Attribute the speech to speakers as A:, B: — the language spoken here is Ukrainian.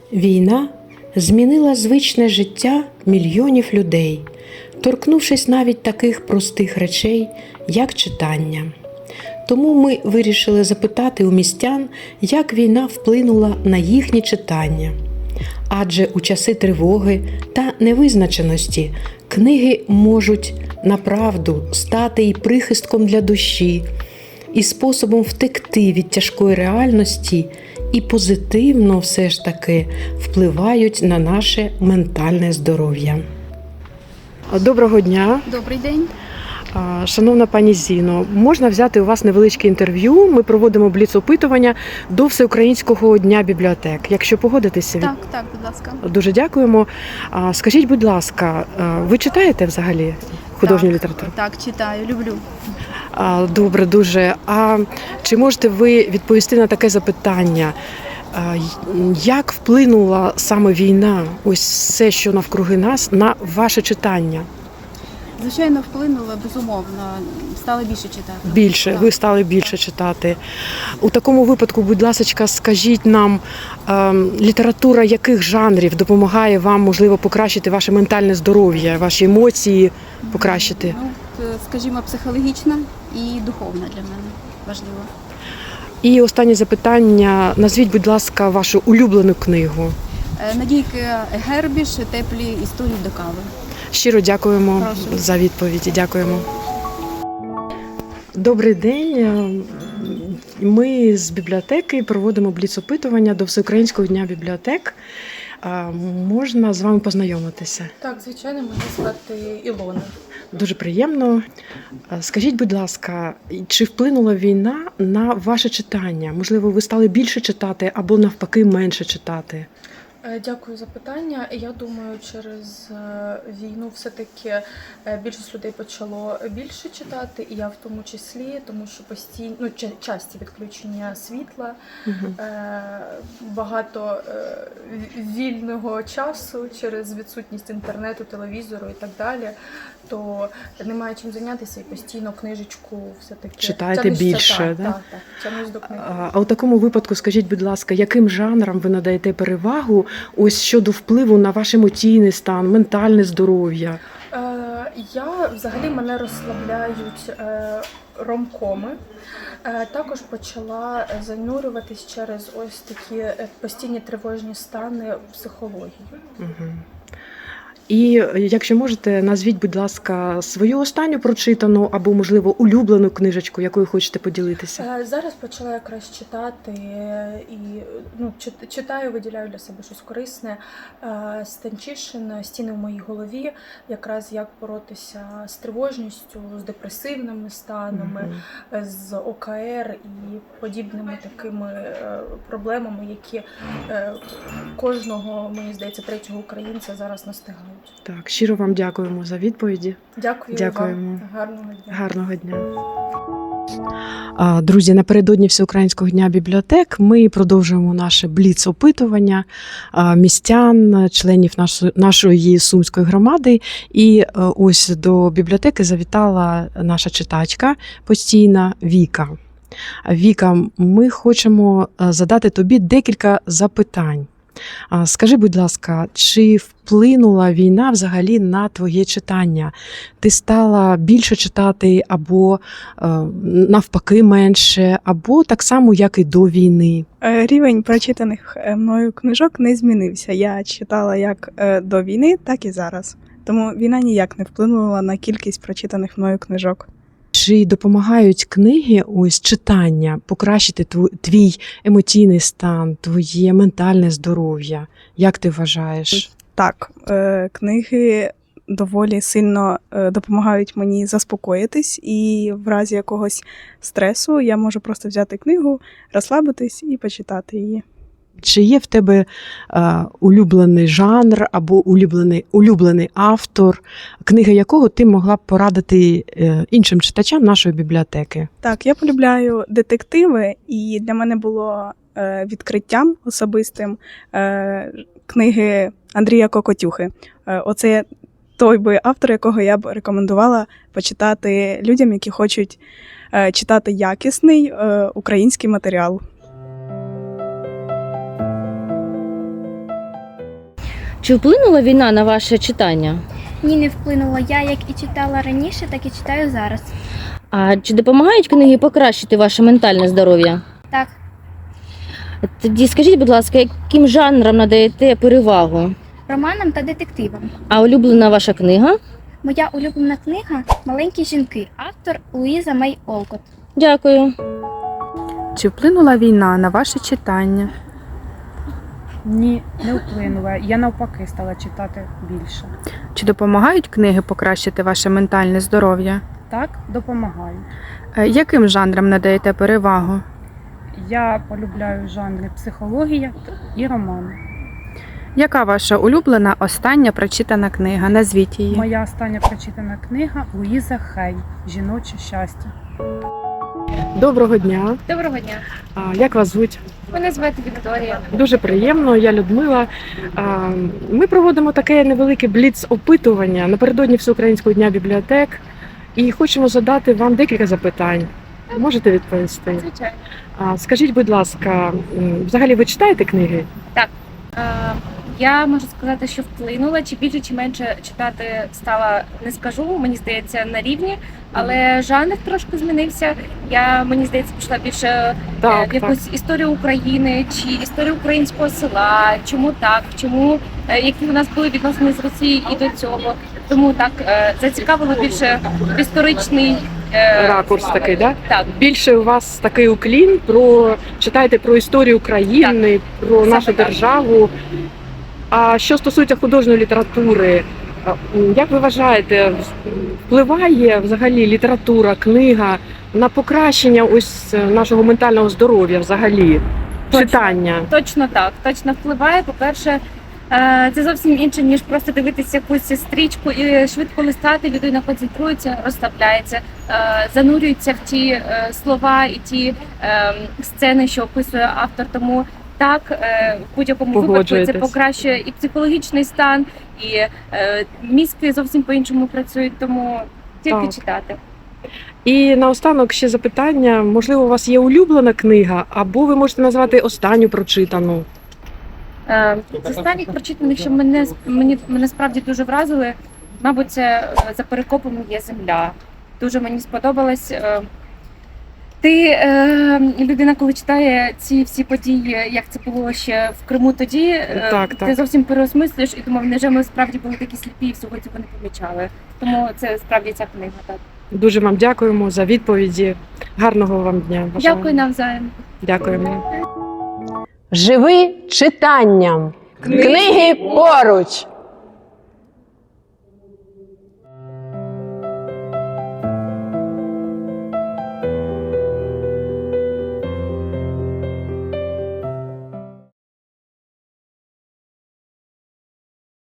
A: Війна змінила звичне життя мільйонів людей, торкнувшись навіть таких простих речей, як читання. Тому ми вирішили запитати у містян, як війна вплинула на їхнє читання. Адже у часи тривоги та невизначеності книги можуть направду стати і прихистком для душі, і способом втекти від тяжкої реальності, і позитивно все ж таки впливають на наше ментальне здоров'я. Доброго дня!
B: Добрий день.
A: Шановна пані Зіно, можна взяти у вас невеличке інтерв'ю? Ми проводимо бліц-опитування до Всеукраїнського дня бібліотек. Якщо погодитеся,
B: Так, будь ласка.
A: дуже дякуємо. Скажіть, будь ласка, ви читаєте взагалі художню літературу?
B: Так, читаю, люблю.
A: Добре, дуже. А чи можете ви відповісти на таке запитання? Як вплинула саме війна, ось все, що навкруги нас, на ваше читання?
B: Звичайно, вплинуло, безумовно. Стала більше читати.
A: Більше,
B: Так.
A: ви стали більше читати. У такому випадку, будь ласка, скажіть нам, література яких жанрів допомагає вам, можливо, покращити ваше ментальне здоров'я, ваші емоції покращити?
B: Скажімо, психологічна і духовна для мене важливо.
A: І останнє запитання. Назвіть, будь ласка, вашу улюблену книгу.
B: Надійки Гербіш «Теплі історії до кави».
A: Щиро дякуємо
B: Прошу.
A: за відповіді. Дякуємо. Добрий день. Ми з бібліотеки проводимо бліц-опитування до Всеукраїнського дня бібліотек. Можна з вами познайомитися?
C: Так, звичайно, мене звати Ілона.
A: Дуже приємно. Скажіть, будь ласка, чи вплинула війна на ваше читання? Можливо, ви стали більше читати або навпаки менше читати?
C: Дякую за питання. Я думаю, через війну все-таки більшість людей почало більше читати, і я в тому числі, тому що часті відключення світла, багато вільного часу через відсутність інтернету, телевізору і так далі, то немає чим зайнятися і постійно книжечку все-таки
A: Читаєте
C: тягнешся,
A: більше, да?
C: Так, тягнусь до книги.
A: А у такому випадку, скажіть, будь ласка, яким жанрам ви надаєте перевагу ось щодо впливу на ваш емоційний стан, ментальне здоров'я?
C: Взагалі мене розслабляють ромкоми. Також почала занурюватись через ось такі постійні тривожні стани психології.
A: Угу. І якщо можете, назвіть, будь ласка, свою останню прочитану або, можливо, улюблену книжечку, якою хочете поділитися.
C: Зараз почала якраз читати і читаю, виділяю для себе щось корисне. Станчишин «Стіни в моїй голові», якраз як боротися з тривожністю, з депресивними станами, з ОКР і подібними такими проблемами, які кожного, мені здається, третього українця зараз настигають.
A: Так, щиро вам дякуємо за відповіді.
C: Дякуємо. Вам. Гарного дня.
A: Гарного дня. Друзі, напередодні Всеукраїнського дня бібліотек ми продовжуємо наше бліц-опитування містян, членів нашої Сумської громади. І ось до бібліотеки завітала наша читачка постійна Віка. Віка, ми хочемо задати тобі декілька запитань. Скажи, будь ласка, чи вплинула війна взагалі на твоє читання? Ти стала більше читати або навпаки менше, або так само, як і до війни?
D: Рівень прочитаних мною книжок не змінився. Я читала як до війни, так і зараз. Тому війна ніяк не вплинула на кількість прочитаних мною книжок.
A: Чи допомагають книги, ось читання, покращити твій емоційний стан, твоє ментальне здоров'я? Як ти вважаєш?
D: Так, книги доволі сильно допомагають мені заспокоїтись, і в разі якогось стресу я можу просто взяти книгу, розслабитись і почитати її.
A: Чи є в тебе улюблений жанр або улюблений автор, книги якого ти могла б порадити іншим читачам нашої бібліотеки?
D: Так, я полюбляю детективи, і для мене було відкриттям особистим книги Андрія Кокотюхи. Оце той би автор, якого я б рекомендувала почитати людям, які хочуть читати якісний український матеріал.
E: Чи вплинула війна на ваше читання?
F: Ні, не вплинуло. Я як і читала раніше, так і читаю зараз.
E: А чи допомагають книги покращити ваше ментальне здоров'я?
F: Так,
E: Тоді скажіть, будь ласка, яким жанрам надаєте перевагу?
F: романам та детективам.
E: А улюблена ваша книга?
F: Моя улюблена книга Маленькі жінки, автор Луїза Мей Олкот.
E: Дякую.
G: Чи вплинула війна на ваше читання?
H: Ні, не вплинула. Я навпаки стала читати більше.
G: Чи допомагають книги покращити ваше ментальне здоров'я?
H: Так, допомагаю.
G: Яким жанрам надаєте перевагу?
H: Я полюбляю жанри психологія і романи.
G: Яка ваша улюблена остання прочитана книга? Назвіть її.
H: Моя остання прочитана книга Луїза Хей «Жіноче щастя».
A: Доброго дня.
B: Доброго дня.
A: Як вас звуть?
B: Мене звати Вікторія.
A: Дуже приємно, я Людмила. Ми проводимо таке невелике бліц-опитування напередодні Всеукраїнського дня бібліотек і хочемо задати вам декілька запитань. Можете відповісти?
B: Звичайно.
A: Скажіть, будь ласка, взагалі ви читаєте книги?
I: Я можу сказати, що вплинула, чи більше, чи менше читати стала, не скажу, мені здається, на рівні, але жанр трошки змінився. Мені здається, пішла більше в якусь історію України чи історію українського села, чому так, які у нас були відносини з Росією і до цього. Тому так зацікавило більше в історичний
A: Ракурс такий, да?
I: Так.
A: Більше у вас такий уклін читаєте про історію України, про
I: Саме
A: нашу
I: так.
A: державу. А що стосується художньої літератури, як ви вважаєте, впливає взагалі література, книга на покращення ось нашого ментального здоров'я взагалі? Читання?
I: Точно так, точно впливає. По-перше, це зовсім інше, ніж просто дивитися якусь стрічку і швидко листати. Людина концентрується, розслабляється, занурюється в ті слова і ті сцени, що описує автор. Тому так, в будь-якому випадку це
A: Погоджуєтесь.
I: покращує і психологічний стан, і мізки зовсім по-іншому працюють, тому тільки
A: Так.
I: читати.
A: І наостанок ще запитання. Можливо, у вас є улюблена книга, або ви можете назвати останню прочитану?
I: З останніх прочитаних, що мене справді дуже вразили, мабуть, це «За перекопом є земля». Дуже мені сподобалось. Людина, коли читає ці всі події, як це було ще в Криму тоді,
A: Так.
I: ти зовсім переосмислюєш і думав, невже ми справді були такі сліпі і всього цього не помічали. Тому це справді ця книга. Так.
A: Дуже вам дякуємо за відповіді. Гарного вам дня. Бажаємо.
I: Дякую навзаєм.
A: Дякуємо.
J: Живи читанням. Книги поруч.